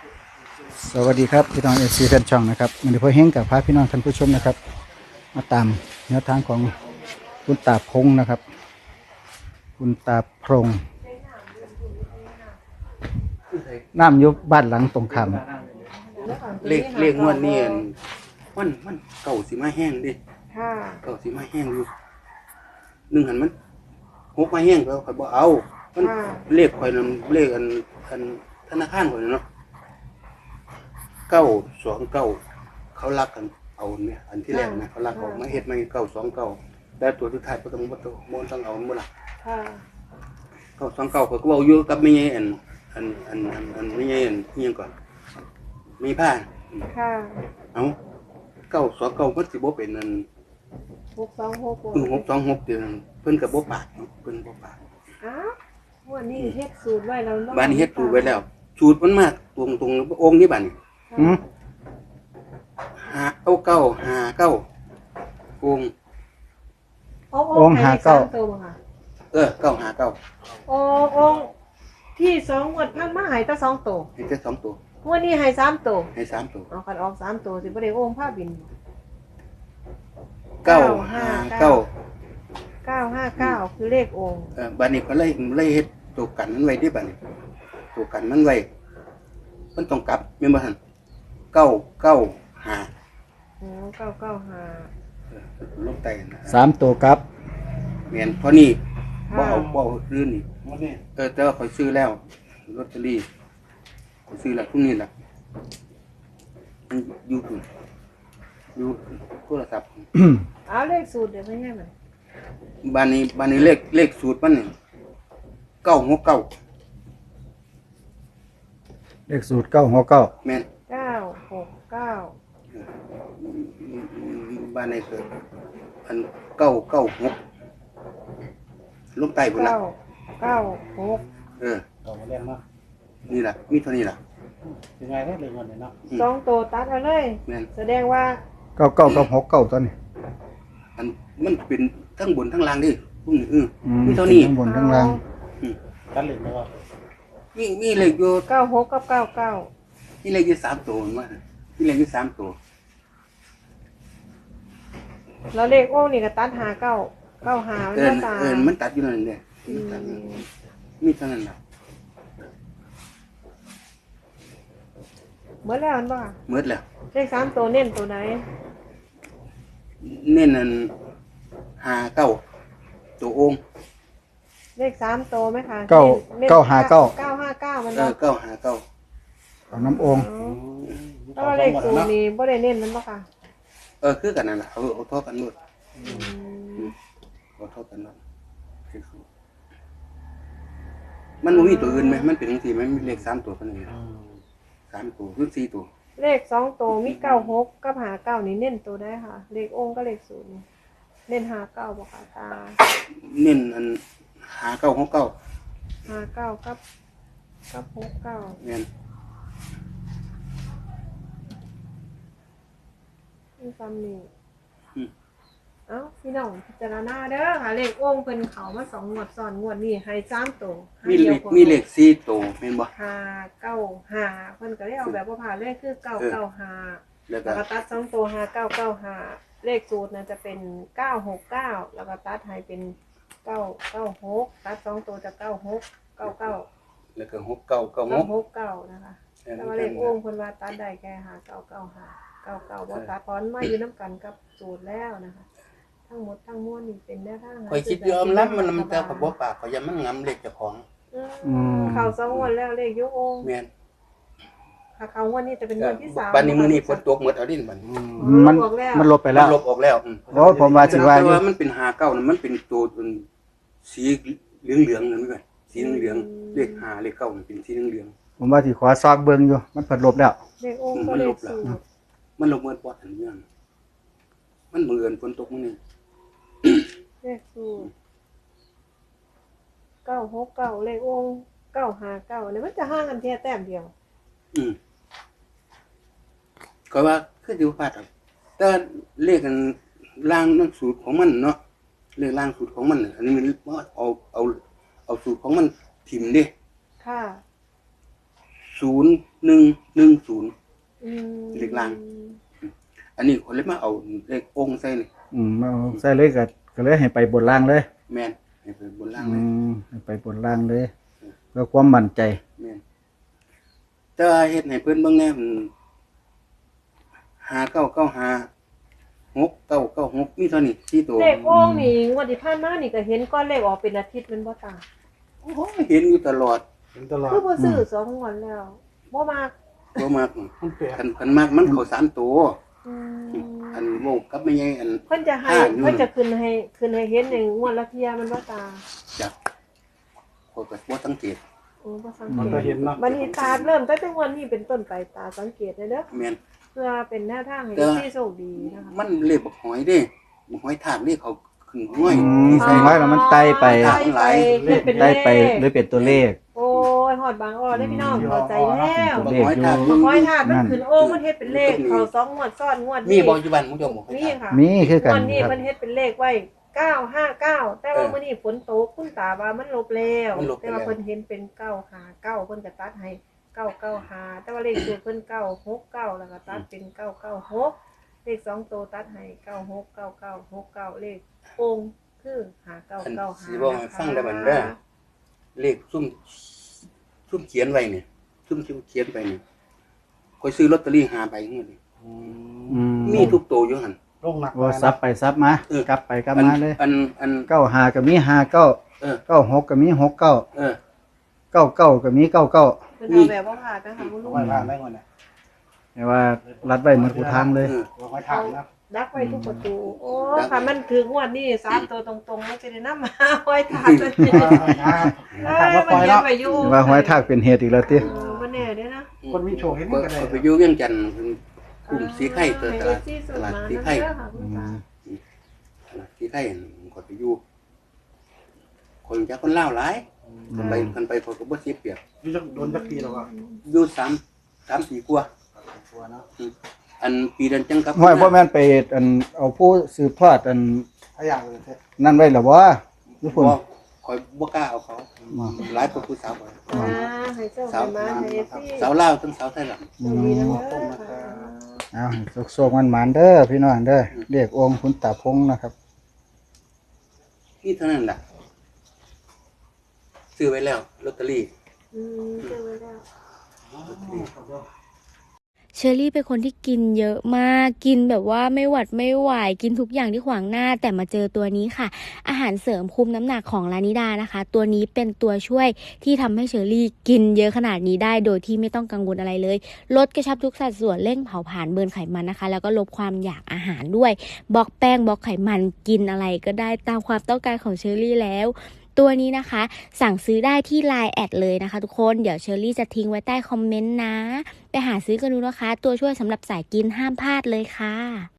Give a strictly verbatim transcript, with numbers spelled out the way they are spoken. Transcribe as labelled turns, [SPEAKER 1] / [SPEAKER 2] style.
[SPEAKER 1] สวัสดีครับพี่น้องเอซีแฟนช่องนะครับวันนี้พ่อเฮงกับพาพี่น้องท่านผู้ชมนะครับมาตามแนวทางของคุณตาพงนะครับคุณตาพงน้ำยุบบ้านหลังตรงข้าม
[SPEAKER 2] เลขเลขงวดนี้อั่นมันมันเก่าสิมาแห้งดิ
[SPEAKER 3] ค่ะ
[SPEAKER 2] เก่าสิมาแห้งอยู่หนึ่งหันมันหกมาแห้งแล้วข่อยบ่เอามันเลขข่อยนั่นเลขอันอันธนาคารข่อยนั่นเนาะเก้าสองเก้าเขารักกันเอาเนี่ยอันที่แรกนะเขารักเอามาเฮ็ดมาเก้าสองเก้าแต่ตัวสุดท้ายบ่ต้องบ่ต้องบ่ต้องเอาบ่ล่ะ
[SPEAKER 3] ค่ะ
[SPEAKER 2] เก้าสองเก้าข่อยก็เว้าอยู่กับแม่ใหญ่อันอันอันอันอันแม่ใหญ่อันอิหยังก่อนมีผ้า
[SPEAKER 3] ค่ะ
[SPEAKER 2] เอาเก้าสองเก้ามันสิบ่เป็นนั่น
[SPEAKER 3] หกสองหก
[SPEAKER 2] คือหกสองหกเดือนเพิ่นก็บ่ปากเนาะเพิ่นบ่ปาก
[SPEAKER 3] อ้าววันนี้เฮ็ดสูตรไว้แล้ว
[SPEAKER 2] บ้านนี้เฮ็ดถูกไว้แล้วสูตรมันมากตรงตรงๆองค์นี้บัดนี้
[SPEAKER 1] อืม
[SPEAKER 2] หาเก้าเก้าหาเก้าองค์
[SPEAKER 3] องค์หาเก้าตัวค่ะ
[SPEAKER 2] เออเก้าหาเก้า
[SPEAKER 3] โอ้องค์ที่สองงวดพันมาหายแต่สองตัว
[SPEAKER 2] ให้แค่สองตัว
[SPEAKER 3] งวดนี้หายสามตัว
[SPEAKER 2] ให้สามตัว
[SPEAKER 3] เอาคันออกสามตัวสิบ่ได้องค์ผ้าบิน
[SPEAKER 2] เก้าหาเก้า
[SPEAKER 3] เก้าห้าเก้าคือเลของค์
[SPEAKER 2] เออบัดนี้ก็เลยเลยเฮ็ดตัวกันมันไว้ที่บัดนี้ตัวกันมันไว้มันต้องกลับแม่นบ่หั่นเก้าเก้าหา
[SPEAKER 3] โอ้เก้าเก้าห้า
[SPEAKER 2] เออลงใต้นะ
[SPEAKER 1] สามตัวครับ
[SPEAKER 2] แม่นเท่านี้บ่เอาบ่เอาอื่นนี่เออแต่ว่าข่อยซื้อแล้วลอตเตอรี่ข่อยซื้อแล้วพรุ่งนี้ล่ะมันอยู่พุ่นอยู่โทรศัพท์
[SPEAKER 3] เอาเลขสูตรเดี๋ยวไม่ให้มัน
[SPEAKER 2] บ้านนี้บ้านนี้เลขเลขสูตรมันนี่เก้าหกเก้า
[SPEAKER 1] เลขสูตรเก้าหัวเก้า
[SPEAKER 2] แม่น
[SPEAKER 3] เก้าหกเก้า
[SPEAKER 2] บ้านนี้คืออันเก้าเก้าหกลงใต้พุ่นล่ะ
[SPEAKER 3] เก้าเก้าหก
[SPEAKER 2] เออ
[SPEAKER 4] ต่อมาแรงเนาะ
[SPEAKER 2] นี่ล่ะมีเท่านี้ล่ะ
[SPEAKER 4] ยังไงได้เลยวันนี้เนาะ
[SPEAKER 3] สองตัวตัดเอาเลย
[SPEAKER 2] แม่น
[SPEAKER 3] แสดงว่า
[SPEAKER 1] เก้าเก้ากับหกเก้าตัวนี้
[SPEAKER 2] อันมันเป็นทั้งบนทั้งล่างดิพวกนี้เออ
[SPEAKER 1] อืม
[SPEAKER 2] มีเท่านี้
[SPEAKER 1] ทั้งบนทั้งล่าง
[SPEAKER 4] ตัดเหล็กแล้วก็
[SPEAKER 2] มีมีเลขอยู่
[SPEAKER 3] เก้าหกกับเก้าเก้า
[SPEAKER 2] มีเลขอยู่สามตัวมามีเลขอยู่สามตัว
[SPEAKER 3] แล้วเลขโอ้นี่ก็ตัดหาเก้าเก้าหามัน
[SPEAKER 2] เอิน
[SPEAKER 3] ก็ตา
[SPEAKER 2] เอินมันตัดอยู่นั่นเด้มันตัดอยู่นั่นมีเท่านั้นล่ะ
[SPEAKER 3] เมื่อแล้วมันบ่
[SPEAKER 2] หมดแล้ว
[SPEAKER 3] เลขสามตัวเน้นตัวไหน
[SPEAKER 2] เน้นอันหาเก้าตัวองค์
[SPEAKER 3] เลขสามตัวไหมคะ
[SPEAKER 1] เก้า
[SPEAKER 3] น้น
[SPEAKER 1] เก้าหาเก้า
[SPEAKER 3] เก้าห้าเก้ามัน
[SPEAKER 2] เอ
[SPEAKER 3] บ่
[SPEAKER 2] อเก้าหาเก้า
[SPEAKER 1] เอาน้ำองค์
[SPEAKER 3] แล้วเลขศูนย์นี่บ่ได้เน้นมันบ่ค่ะ
[SPEAKER 2] เออคือกันนั่นแหละเอาเอาเท่ากันหมด
[SPEAKER 3] อืม
[SPEAKER 2] เอาเท่ากันหมดมันบ่มีตัวอื่นไหมมันเป็นจังซี่ไหมมีเลขสามตัวเท่านั้นสามตัวหรือสี่ตัว
[SPEAKER 3] เลขสองตัวมีเก้าหกกับหาเก้านี่เน้นตัวได้ค่ะ เลของค์ก็เลขศูนย์นี่เน้นหาเก้าบ่ค่ะตา
[SPEAKER 2] เน้นอันหาเก้าหกเก้า
[SPEAKER 3] หาเก้ากับกับหกเก้า
[SPEAKER 2] แม่น
[SPEAKER 3] นี่ซ้ำนี่เอ้าพี่น้องพิจารณาเด้อค่ะเลของค์เพิ่นเขามาสองงวดซ้อนงวดนี้ให้สามตัว
[SPEAKER 2] มีเลขมีเลขสี่ตัวแม่นบ่
[SPEAKER 3] ห้าเก้าห้าเพิ่นก็ได้เอาแบบว่าผ่านเลขคือเก้าเก้าห้า
[SPEAKER 2] แล้วก็
[SPEAKER 3] แล้วก็ตัดสองตัวห้าเก้าเก้าห้าเลขสูตรน่ะจะเป็นเก้าหกเก้าแล้วก็ตัดให้เป็นเก้าเก้าหกตัดสองตัวจะเก้าหกเก้าเก้า
[SPEAKER 2] แล้วก็หกเก้าเก้าห
[SPEAKER 3] เก้าก หกเก้านะคะแต่ว่าเลของค์เพิ่นว่าตัดได้แค่ห้าเก้าเก้าห้าเก้าเก้าบ่ตัดพรมาอยู่น้ำกันกับสูตรแล้วนะคะทั้งหมดทั้งมวลนี่เป็นแนวทาง
[SPEAKER 2] ข่อยคิดยอมรับมันมันแต่ข่อยบ่ปากข่อยยังมันงำเลขเจ้าของ
[SPEAKER 3] อืมเข้าสองงวดแล้วเลขยกองค์
[SPEAKER 2] แม่น
[SPEAKER 3] ถ้าเข้างวดนี้จะเป็นงวดที่สาม
[SPEAKER 2] บัดนี้มื้อนี้ฝนตกหมดเอาดินบัดนี้
[SPEAKER 1] มันมันลบไปแล้ว
[SPEAKER 2] มันลบออกแล้วอืม
[SPEAKER 1] โอ้ผมว่าสิว่าอยู่
[SPEAKER 2] แต่ว่ามันเป็นหาเก้านั่นมันเป็นตัวเป็นสีเหลืองๆนั่นมั้ยสีเหลืองๆเลขห้าเลขเก้ามันเป็นสีเหลือง
[SPEAKER 1] ผมว่าสิขอซอกเบิ่งอยู่มันเพิ่นลบแล้ว
[SPEAKER 3] เลของค์ก็เลขสูตร
[SPEAKER 2] ๆมันลบเมื่อปอดอันเรื่องมันเหมือนฝนตกมื้อนี้
[SPEAKER 3] เลขสูตรเก้าหกเก้าเลของค์เก้าห้าเก้าเนี่ยมันจะห่างกันแค่แต้มเดียว
[SPEAKER 2] อืมก็ว่าคืออยู่พลาดครับแต่เลขกันล่างนั่นสูตรของมันเนาะเลขล่างสูตรของมันน่ะอันนี้มันเอาเอาเอาสูตรของมันถิ่มดิ
[SPEAKER 3] ค่ะ
[SPEAKER 2] ศูนย์หนึ่งหนึ่งศูนย์
[SPEAKER 3] อืม
[SPEAKER 2] เลขล่าง อันนี้คนเลยมาเอาเลของค์ใส่นี่
[SPEAKER 1] อืมเอาใส่เลยก็ก็เลยให้ไปบนล่างเลย
[SPEAKER 2] แม่นให้ไปบนล่าง
[SPEAKER 1] อื
[SPEAKER 2] เลย
[SPEAKER 1] มให้ไปบนล่างเลยเพื่อความมั่นใจ
[SPEAKER 2] แม่นแต่ว่าเฮ็ดให้เพิ่นเบิ่งแน่มันห้าเก้าเก้าห้าหกเก้าเก้าหกมีเท่านี้สี่ตัว
[SPEAKER 3] เลขโอ่งนี่งวดที่ผ่านมานี่ก็เห็นก้อนเลขออกเป็นอาทิตย์แม่นบ่ตา
[SPEAKER 2] โอ้ยเห็นอยู่ตลอด
[SPEAKER 4] เห็นตลอด
[SPEAKER 3] คือบ่ซื้อสองงวดแล้วบ่มาก
[SPEAKER 2] บ่มาก
[SPEAKER 4] มันแปลก
[SPEAKER 2] คันคันมากมันเข้าสามตัว
[SPEAKER 3] อืม
[SPEAKER 2] อันโว้กับไม่ใหญ่อัน
[SPEAKER 3] เพิ่นจะให้
[SPEAKER 2] ห้าอยู่
[SPEAKER 3] เพิ่นจะขึ้นให้ขึ้นให้เห็นในงวดละเที่ยแมันบ่ตา
[SPEAKER 2] จักคนก็บ่สังเกต
[SPEAKER 3] โอ้บ่สัง
[SPEAKER 4] มัน
[SPEAKER 3] เก
[SPEAKER 4] ก็
[SPEAKER 3] ต
[SPEAKER 4] เห็นเนาะ
[SPEAKER 3] บัดนี้ตาเริ่มตั้งแต่งวดนี้เป็นต้นไปตาสังเกตได้เด้อ
[SPEAKER 2] แม่น
[SPEAKER 3] เพื่อเป็นแนวทางให้
[SPEAKER 2] แต่
[SPEAKER 3] ที่โชคดีนะคะ
[SPEAKER 2] มันเลขบักหอยเด้บักหอยทากนี่เขาขึ้นห้วย
[SPEAKER 1] อืม
[SPEAKER 2] ที่
[SPEAKER 1] ใส่น้อยแล้วมันไต่ไป
[SPEAKER 2] อ่า
[SPEAKER 3] ไปเฮ็ดเป็นเล
[SPEAKER 1] ได้
[SPEAKER 3] ข
[SPEAKER 1] ไปเลยเป็นตัวเลข
[SPEAKER 3] โอ้ยฮอดบางอ้อได้พี่น้องเข้าใจแล้ว
[SPEAKER 2] บักหอยทาก
[SPEAKER 3] บักห้อยถาดมันขึ้นโอ่งมันเฮ็ดเป็นเลขเขาสองงวดซ้อนงวด
[SPEAKER 2] มี
[SPEAKER 3] นี้
[SPEAKER 2] บ่อยู่บ้านมึงเจ้าบ่หอย
[SPEAKER 3] นี่
[SPEAKER 2] ทาก
[SPEAKER 3] ค่ะ
[SPEAKER 1] มีคือกัน
[SPEAKER 3] วันนี้
[SPEAKER 1] ครับ
[SPEAKER 3] มันเฮ็ดเป็นเลขไว้เก้าห้าเก้าแต่ว่า
[SPEAKER 2] เออ
[SPEAKER 3] มื้อนี้ฝนตกคุณตาว่ามันลบแล้ว
[SPEAKER 2] มันลบไป
[SPEAKER 3] แต่ว่า
[SPEAKER 2] แล้ว
[SPEAKER 3] เพิ่นเห็นเป็นเก้าห้าเก้าเพิ่นก็ตัดให้เก้าเก้าห้าแต่ว่าเลขสูตรเพิ่นเก้าหกเก้าแล้วก็ตัดเป็นเก้าเก้าหกเลขสองตัวตัดให้เก้าหกเก้าเก้าหกเก้าเลขโป่งคือห้าเก้า
[SPEAKER 2] อัน
[SPEAKER 3] เก้าห้า
[SPEAKER 2] สิบอกให้ฟังได้บัดเด้อเลขซุ่มซุ่มเขียนไว้เนี่ยซุ่มเขียนไปเนี่ยข่อยซื้อลอตเตอรี่ห้าใบงวดนี้
[SPEAKER 4] อืม
[SPEAKER 1] อืม
[SPEAKER 2] มีทุกตัวอยู่หั่น
[SPEAKER 4] ลงหนัก
[SPEAKER 1] ว่าซับไปซับมา
[SPEAKER 2] เออ
[SPEAKER 1] กลับไปกลับ
[SPEAKER 2] อัน
[SPEAKER 1] มาเลย
[SPEAKER 2] อันอัน
[SPEAKER 1] เก้าหาก็มีหาเก้า
[SPEAKER 2] เออ
[SPEAKER 1] เก้าหกก็มีหกเก้า
[SPEAKER 2] เออ
[SPEAKER 1] เก้าเก้าก็มีเก้าเก้า
[SPEAKER 3] เพิ่นเอาแบบว่าผ่าดนะคะคุณลุง
[SPEAKER 4] ไว้ล่างได้เงินเนี่ย
[SPEAKER 1] แต่ว่ารัดไว้เหมือนกูทางเลย
[SPEAKER 2] เออ
[SPEAKER 4] วางไว้ทางนะ
[SPEAKER 3] ดักไว้ทุกประตู โอ้
[SPEAKER 2] ดักไว้
[SPEAKER 3] ค่ะมันถึงงวันนี้สามตัวตรงๆมันจะได้นำมาไว้ทานเลย
[SPEAKER 4] ทาง
[SPEAKER 3] เอ้
[SPEAKER 4] ทาง
[SPEAKER 3] ย
[SPEAKER 4] มาป
[SPEAKER 3] มัน
[SPEAKER 4] ล่อย
[SPEAKER 3] เฮ็ด
[SPEAKER 4] เนาะ
[SPEAKER 3] ไปอยู่
[SPEAKER 1] ว่าหอยทากเป็นเหตุอีกแล้วติ
[SPEAKER 3] เออมันแน่เด้อนะ
[SPEAKER 4] คนมีโชคเห็นเหมื
[SPEAKER 2] เมื่
[SPEAKER 4] อนกันเลย
[SPEAKER 2] ไปอยู่เวียงจันทน์กลุ่มสีไข่ตัวตลาด
[SPEAKER 3] ให้
[SPEAKER 2] ตลาด
[SPEAKER 3] ที่
[SPEAKER 2] สี
[SPEAKER 3] สุดมา
[SPEAKER 2] ไข่
[SPEAKER 3] นั่นเด้อค่ะคุณตา
[SPEAKER 2] ตลาดสีไข่ก็ไปอยู่คนจะคนเล่าวหลายคนไปคนไปคนก็บ่เสียเปรียบ
[SPEAKER 4] อยู่จักโดนจักปีแล้วก็
[SPEAKER 2] อยู่สามสามปีกว่า
[SPEAKER 4] ตัวเนาะ
[SPEAKER 2] อันปีเดือนจังกับ
[SPEAKER 1] ห้อยพ่อแม่นไปอันเอาผู้สืบทอดอัน
[SPEAKER 4] ถ้าอยากเลยเถอะ
[SPEAKER 1] นั่นไว้หรอวะญี่ปุ่น
[SPEAKER 2] บ่คอยบ่กล้าเอาเขาหลายคนผู้สาวบ่
[SPEAKER 3] อ่าให้เจ้า
[SPEAKER 2] สาว
[SPEAKER 3] ให้มาให้ที่
[SPEAKER 2] สาวลาวทั้งสาวไทยหลัง
[SPEAKER 3] โชคดีนะเด้อค่ะ
[SPEAKER 1] เอาโศกๆมันหมานๆเด้อพี่น้องเด้อเรียกองค์คุณตาพงนะครับ
[SPEAKER 2] นี่เท่านั้นแหละซื้อไว้แล้วลอตเตอรี่
[SPEAKER 3] อืมเจอไว้แล้ว
[SPEAKER 2] ลอตเตอรี่
[SPEAKER 5] เชอรี่เป็นคนที่กินเยอะมาก กินแบบว่าไม่หวัดไม่ไหว กินทุกอย่างที่ขวางหน้า แต่มาเจอตัวนี้ค่ะ อาหารเสริมคุมน้ำหนักของลานิดานะคะ ตัวนี้เป็นตัวช่วยที่ทำให้เชอรี่กินเยอะขนาดนี้ได้ โดยที่ไม่ต้องกังวลอะไรเลย ลดกระชับทุกสัดส่วนเร่งเผาผลาญเบิร์นไขมันนะคะ แล้วก็ลดความอยากอาหารด้วย บล็อกแป้งบล็อกไขมันกินอะไรก็ได้ตามความต้องการของเชอรี่แล้ว ตัวนี้นะคะ สั่งซื้อได้ที่ ไลน์ แอดเลยนะคะทุกคน เดี๋ยวเชอรี่จะทิ้งไว้ใต้คอมเมนต์นะ ไปหาซื้อกันดูนะคะ ตัวช่วยสำหรับสายกินห้ามพลาดเลยค่ะ